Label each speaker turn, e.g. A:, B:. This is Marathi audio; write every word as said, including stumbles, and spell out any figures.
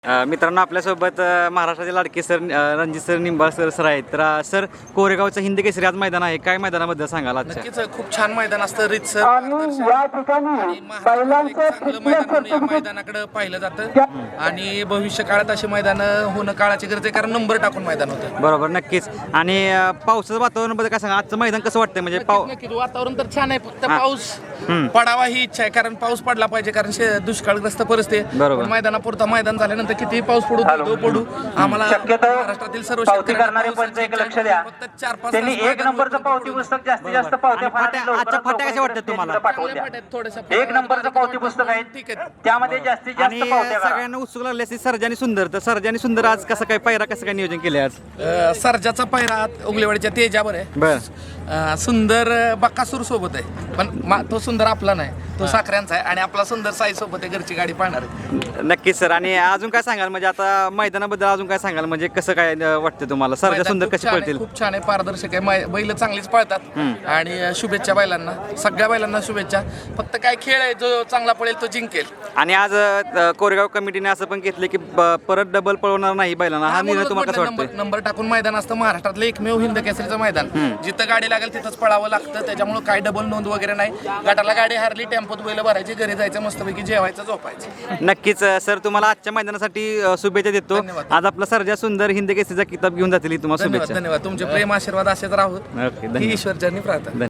A: अ, मित्रांनो आपल्यासोबत अ, महाराष्ट्राचे लाडके सर अ, Ranjit sir Nimbal sir sir आहेत. तर अ, सर कोरेगावचं हिंद केसरी आज मैदान आहे, काय मैदानाबद्दल सांगाल आजच्या?
B: नक्कीच खूप छान मैदान असतं रीतसर
C: आणि या ठिकाणी बैलांचं
B: चांगलं मैदान या मैदानाकडे पाहिलं जातं आणि भविष्य काळात अशी मैदान होणं काळाची गरज आहे, कारण नंबर टाकून मैदान होतं.
A: बरोबर, नक्कीच. आणि अ, पावसाचं वातावरणाबद्दल काय सांगा, आजचं मैदान कसं वाटतंय? म्हणजे पाव
B: नक्कीच नक्कीच. वातावरण तर छान आहे, फक्त
A: हा.
B: पाऊस
A: हम्म.
B: पडावा ही इच्छा आहे, कारण पाऊस पडला पाहिजे, कारण शे- दुष्काळग्रस्त परिस्थिती आहे.
A: बरोबर.
B: पण मैदानापुरता मैदान झाल्यानंतर कितीही पाऊस पडू तो पडू आम्हाला
C: शक्यतो
B: महाराष्ट्रातील सर्व
C: पावती
B: शेतकऱ्यांना
C: करणारे
B: पावसाची
C: पंच एक
B: इच्छा
C: लक्ष
B: आहे.
C: द्या.
B: फक्त चार पाच
C: त्यांनी
B: तास
C: एक
B: मैदान
C: नंबरचं
B: होतं.
C: पावती पुस्तक जास्तीत जास्त पावत्या
A: आणि फाट्या-
C: लवकरात
A: आजच्या फाट्या
C: लवकर
A: कशा वाटतात तुम्हाला?
C: पाठवून
B: चांगल्या
C: द्या.
B: फाट्या आहेत, थोड्याशा
C: एक नंबरचं पावती पुस्तक आहे,
B: ठीक आहे.
C: त्यामध्ये जास्तीत जास्त
A: आणि
C: पावत्या करा.
A: सगळ्यांना उत्सुक लागले असते सर्जानी सुंदर. तर सर्जानी सुंदर आज कसं काय पायरा कसं काय नियोजन केले आज?
B: अ, सर्जाचा पायरा उगलेवाडीच्या तेजावर आहे.
A: बर
B: अ, सुंदर अ, बक्कासूर सोबत आहे, पण मा- तो सुंदर आपला नाही, तो साखऱ्यांचा आहे, आणि आपला सुंदर साई सोबत आहे, घरची गाडी पाहणार आहे.
A: नक्कीच सर. आणि अजून काय सांगाल, म्हणजे आता मैदानाबद्दल अजून काय सांगाल, म्हणजे कसं काय अ, वाटतं तुम्हाला? सर्जा
B: मैदान
A: सुंदर
B: खूप
A: कशी
B: छान आहे,
A: पळतील?
B: खूप छान आहे, पारदर्शक आहे. मै- बैल चांगलीच पळतात आणि अ, शुभेच्छा बैलांना, सगळ्या बैलांना शुभेच्छा. फक्त काय खेळ आहे, जो चांगला पळेल तो जिंकेल.
A: आणि आज अ, कोरेगाव कमिटीने असं पण घेतलं की ब- परत डबल पळवणार नाही बैलांना. हा निर्णय
B: म्हणूनच
A: तुम्हाला कसं
B: म्हटलं,
A: वाटतं?
B: नंबर नंबर टाकून मैदान असतं महाराष्ट्रातलं एकमेव हिंद केसरीचं मैदान. जिथं गाडी लागेल तिथंच पळावं लागतं, त्याच्यामुळे काय डबल नोंद वगैरे नाही. गटाला गाडी हारली, टेम्पोत बैल भरायची, घरी जायचं, मस्तपैकी जेवायचं, झोपायचं.
A: नक्कीच अ, सर, तुम्हाला आजच्या मैदानासाठी अ, शुभेच्छा देतो.
B: धन्यवाद.
A: आज आपला सर्जा सुंदर हिंद केसरीचा किताब घेऊन जातील, ही तुम्हाला
B: धन्यवाद
A: शुभेच्छा.
B: धन्यवाद. तुमचे प्रेम आशीर्वाद असेच राहू
A: ओके,
B: ही
A: धन्यवाद.
B: ईश्वरचरणी प्रार्थना.